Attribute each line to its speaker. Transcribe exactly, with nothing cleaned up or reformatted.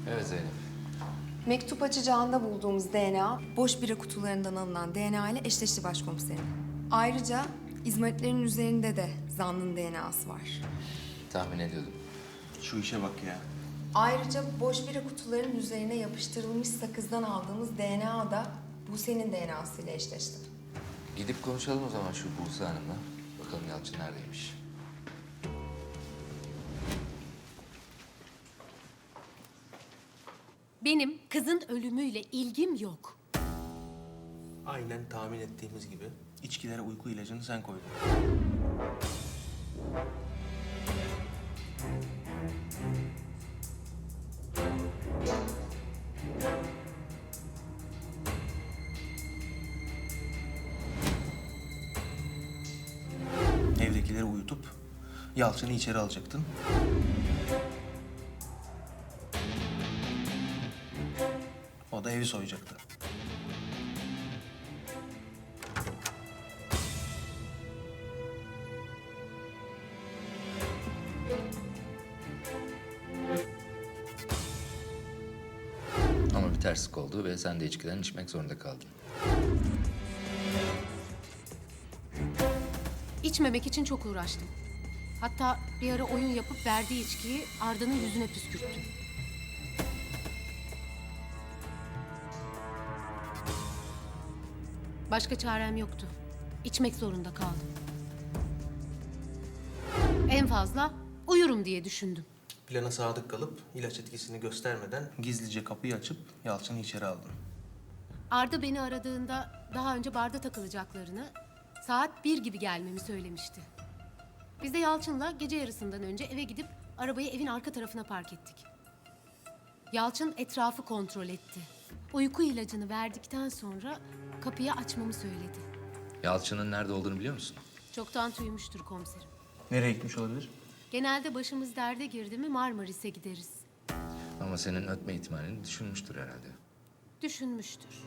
Speaker 1: Evet Zeynep.
Speaker 2: Mektup açacağında bulduğumuz D N A, boş bira kutularından alınan D N A ile eşleşti başkomiserim. Ayrıca izmaritlerin üzerinde de zanlının D N A'sı var.
Speaker 1: Tahmin ediyordum.
Speaker 3: Şu işe bak ya.
Speaker 2: Ayrıca boş bira kutularının üzerine yapıştırılmış sakızdan aldığımız D N A da Buse'nin D N A'sı ile eşleşti.
Speaker 1: Gidip konuşalım o zaman şu Buse Hanım'la. Bakalım Yalçın neredeymiş.
Speaker 4: Benim kızın ölümüyle ilgim yok.
Speaker 3: Aynen tahmin ettiğimiz gibi içkilere uyku ilacını sen koydun. Evdekileri uyutup Yalçın'ı içeri alacaktın. O da evi soyacaktı.
Speaker 1: Ama bir terslik oldu ve sen de içkiden içmek zorunda kaldın.
Speaker 4: İçmemek için çok uğraştım. Hatta bir ara oyun yapıp verdiği içkiyi Arda'nın yüzüne püskürttüm. Başka çarem yoktu. İçmek zorunda kaldım. En fazla uyurum diye düşündüm.
Speaker 3: Plana sadık kalıp ilaç etkisini göstermeden gizlice kapıyı açıp Yalçın'ı içeri aldın.
Speaker 4: Arda beni aradığında daha önce barda takılacaklarını, saat bir gibi gelmemi söylemişti. Biz de Yalçın'la gece yarısından önce eve gidip arabayı evin arka tarafına park ettik. Yalçın etrafı kontrol etti. Uyku ilacını verdikten sonra kapıyı açmamı söyledi.
Speaker 1: Yalçın'ın nerede olduğunu biliyor musun?
Speaker 4: Çoktan tüymüştür komiserim.
Speaker 3: Nereye gitmiş olabilir?
Speaker 4: Genelde başımız derde girdi mi Marmaris'e gideriz.
Speaker 1: Ama senin ötme ihtimalini düşünmüştür herhalde.
Speaker 4: Düşünmüştür.